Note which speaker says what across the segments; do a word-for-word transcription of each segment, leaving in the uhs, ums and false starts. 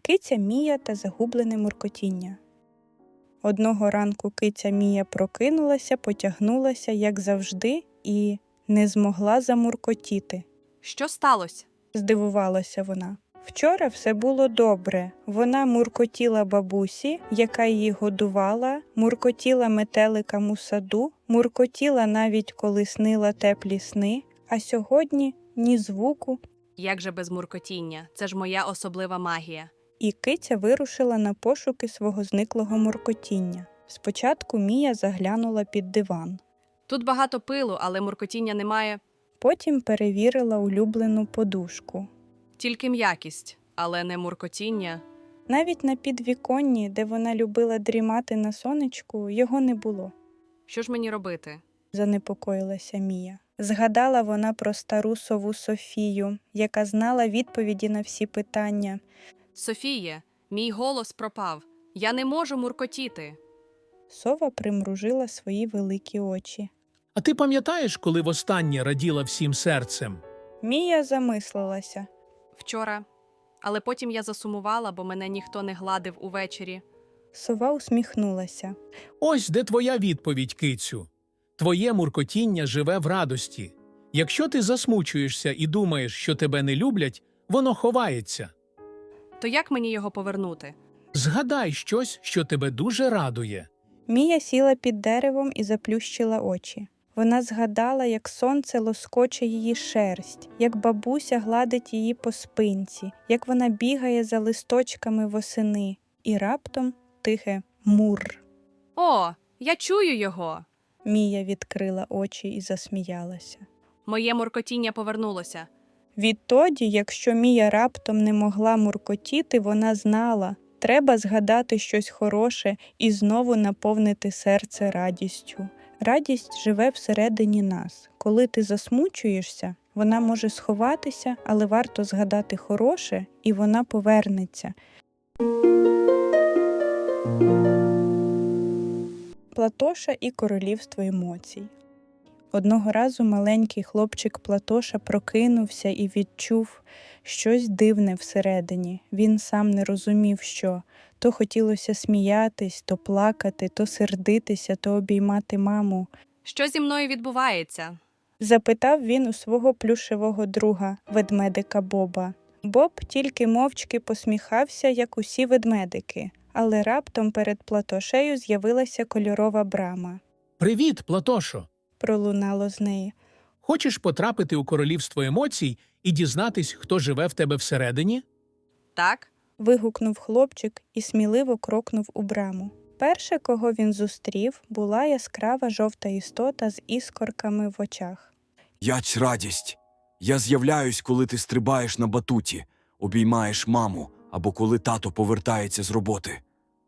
Speaker 1: Киця Мія та загублене муркотіння. Одного ранку киця Мія прокинулася, потягнулася, як завжди, і не змогла замуркотіти.
Speaker 2: Що сталося?
Speaker 1: Здивувалася вона. Вчора все було добре. Вона муркотіла бабусі, яка її годувала, муркотіла метеликам у саду, муркотіла навіть коли снила теплі сни, а сьогодні ні звуку.
Speaker 2: Як же без муркотіння? Це ж моя особлива магія.
Speaker 1: І киця вирушила на пошуки свого зниклого муркотіння. Спочатку Мія заглянула під диван.
Speaker 2: Тут багато пилу, але муркотіння немає.
Speaker 1: Потім перевірила улюблену подушку.
Speaker 2: Тільки м'якість, але не муркотіння.
Speaker 1: Навіть на підвіконні, де вона любила дрімати на сонечку, його не було.
Speaker 2: Що ж мені робити?
Speaker 1: Занепокоїлася Мія. Згадала вона про стару сову Софію, яка знала відповіді на всі питання.
Speaker 2: Софіє, мій голос пропав. Я не можу муркотіти.
Speaker 1: Сова примружила свої великі очі.
Speaker 3: А ти пам'ятаєш, коли востаннє раділа всім серцем?
Speaker 1: Мія замислилася.
Speaker 2: Вчора. Але потім я засумувала, бо мене ніхто не гладив увечері.
Speaker 1: Сова усміхнулася.
Speaker 3: Ось де твоя відповідь, кицю. Твоє муркотіння живе в радості. Якщо ти засмучуєшся і думаєш, що тебе не люблять, воно ховається.
Speaker 2: То як мені його повернути?
Speaker 3: Згадай щось, що тебе дуже радує.
Speaker 1: Мія сіла під деревом і заплющила очі. Вона згадала, як сонце лоскоче її шерсть, як бабуся гладить її по спинці, як вона бігає за листочками восени. І раптом тихе «мур».
Speaker 2: О, я чую його!
Speaker 1: Мія відкрила очі і засміялася.
Speaker 2: Моє муркотіння повернулося.
Speaker 1: Відтоді, якщо Мія раптом не могла муркотіти, вона знала, треба згадати щось хороше і знову наповнити серце радістю. Радість живе всередині нас. Коли ти засмучуєшся, вона може сховатися, але варто згадати хороше, і вона повернеться. Платоша і королівство емоцій. Одного разу маленький хлопчик Платоша прокинувся і відчув щось дивне всередині. Він сам не розумів, що. То хотілося сміятись, то плакати, то сердитися, то обіймати маму.
Speaker 2: Що зі мною відбувається?
Speaker 1: Запитав він у свого плюшевого друга, ведмедика Боба. Боб тільки мовчки посміхався, як усі ведмедики. Але раптом перед Платошею з'явилася кольорова брама.
Speaker 3: «Привіт, Платошо!
Speaker 1: Пролунало з неї.
Speaker 3: Хочеш потрапити у королівство емоцій і дізнатись, хто живе в тебе всередині?»
Speaker 2: Так?
Speaker 1: Вигукнув хлопчик і сміливо крокнув у браму. Перше, кого він зустрів, була яскрава жовта істота з іскорками в очах.
Speaker 4: Яч радість! Я з'являюсь, коли ти стрибаєш на батуті, обіймаєш маму, або коли тато повертається з роботи.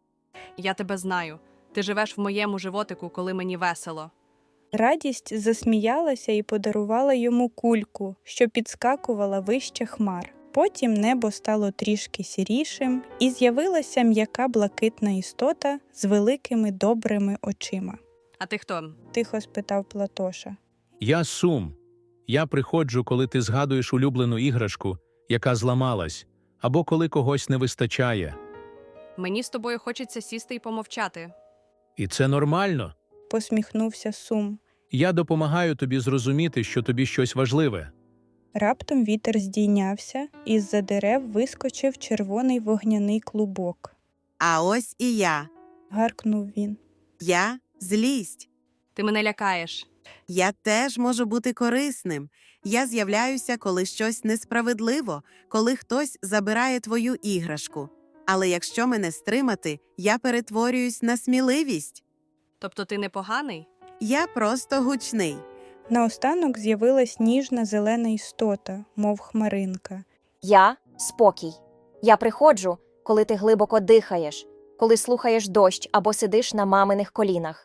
Speaker 2: Я тебе знаю. Ти живеш в моєму животику, коли мені весело.
Speaker 1: Радість засміялася і подарувала йому кульку, що підскакувала вище хмар. Потім небо стало трішки сірішим, і з'явилася м'яка блакитна істота з великими добрими очима.
Speaker 2: А ти хто?
Speaker 1: Тихо спитав Платоша.
Speaker 3: «Я Сум. Я приходжу, коли ти згадуєш улюблену іграшку, яка зламалась, або коли когось не вистачає.
Speaker 2: Мені з тобою хочеться сісти і помовчати.
Speaker 3: І це нормально.
Speaker 1: Посміхнувся Сум.
Speaker 3: Я допомагаю тобі зрозуміти, що тобі щось важливе».
Speaker 1: Раптом вітер здійнявся, і з-за дерев вискочив червоний вогняний клубок.
Speaker 5: А ось і я.
Speaker 1: Гаркнув він.
Speaker 5: Я – злість.
Speaker 2: Ти мене лякаєш.
Speaker 5: Я теж можу бути корисним. Я з'являюся, коли щось несправедливо, коли хтось забирає твою іграшку. Але якщо мене стримати, я перетворююсь на сміливість.
Speaker 2: Тобто ти непоганий?
Speaker 5: Я просто гучний.
Speaker 1: Наостанок з'явилась ніжна зелена істота, мов хмаринка.
Speaker 6: Я – спокій. Я приходжу, коли ти глибоко дихаєш, коли слухаєш дощ або сидиш на маминих колінах.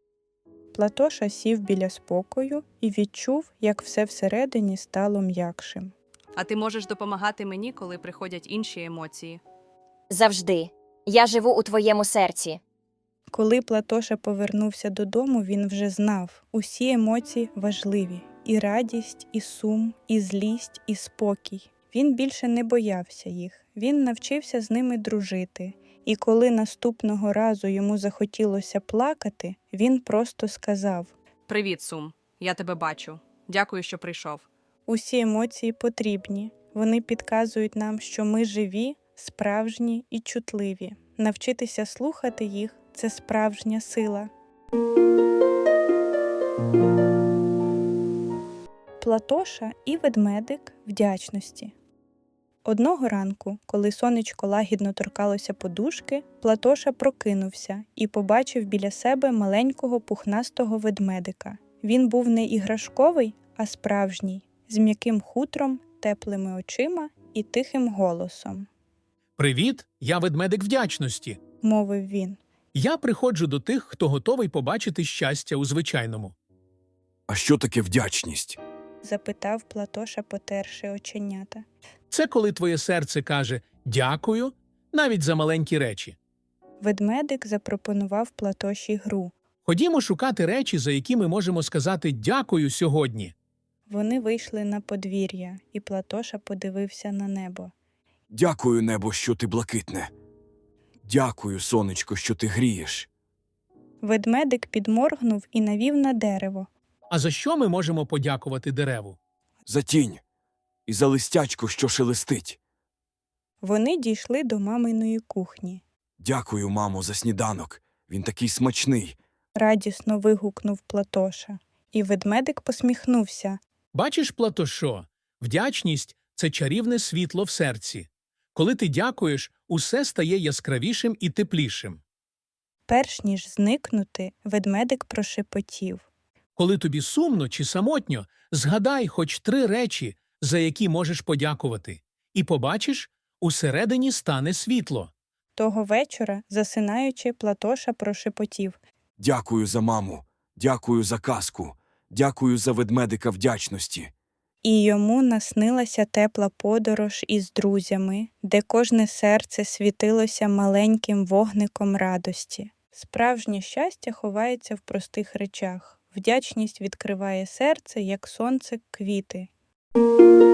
Speaker 1: Платоша сів біля спокою і відчув, як все всередині стало м'якшим.
Speaker 2: А ти можеш допомагати мені, коли приходять інші емоції.
Speaker 6: Завжди. Я живу у твоєму серці.
Speaker 1: Коли Платоша повернувся додому, він вже знав, усі емоції важливі. І радість, і сум, і злість, і спокій. Він більше не боявся їх, він навчився з ними дружити. І коли наступного разу йому захотілося плакати, він просто сказав:
Speaker 2: Привіт, Сум. Я тебе бачу. Дякую, що прийшов.
Speaker 1: усі емоції потрібні. Вони підказують нам, що ми живі, справжні і чутливі. Навчитися слухати їх – це справжня сила. Платоша і ведмедик вдячності. Одного ранку, коли сонечко лагідно торкалося подушки, Платоша прокинувся і побачив біля себе маленького пухнастого ведмедика. Він був не іграшковий, а справжній, з м'яким хутром, теплими очима і тихим голосом,
Speaker 3: Привіт, я ведмедик вдячності.
Speaker 1: мовив він.
Speaker 3: Я приходжу до тих, хто готовий побачити щастя у звичайному.
Speaker 4: А що таке вдячність?
Speaker 1: Запитав Платоша, потерши оченята.
Speaker 3: Це коли твоє серце каже «дякую» навіть за маленькі речі.
Speaker 1: Ведмедик запропонував Платоші гру.
Speaker 3: Ходімо шукати речі, за які ми можемо сказати «дякую» сьогодні.
Speaker 1: Вони вийшли на подвір'я, і Платоша подивився на небо.
Speaker 4: Дякую, небо, що ти блакитне. Дякую, сонечко, що ти грієш.
Speaker 1: Ведмедик підморгнув і навів на дерево.
Speaker 3: А за що ми можемо подякувати дереву?
Speaker 4: За тінь і за листячко, що шелестить.
Speaker 1: Вони дійшли до маминої кухні.
Speaker 4: Дякую, мамо, за сніданок. Він такий смачний.
Speaker 1: Радісно вигукнув Платоша. І ведмедик посміхнувся.
Speaker 3: Бачиш, Платошо, вдячність – це чарівне світло в серці. Коли ти дякуєш, усе стає яскравішим і теплішим.
Speaker 1: Перш ніж зникнути, ведмедик прошепотів.
Speaker 3: Коли тобі сумно чи самотньо, згадай хоч три речі, за які можеш подякувати. І побачиш, усередині стане світло.
Speaker 1: Того вечора, засинаючи, Платоша прошепотів.
Speaker 4: Дякую за маму. Дякую за казку. Дякую за ведмедика вдячності.
Speaker 1: І йому наснилася тепла подорож із друзями, де кожне серце світилося маленьким вогником радості. Справжнє щастя ховається в простих речах. Вдячність відкриває серце, як сонце, квіти.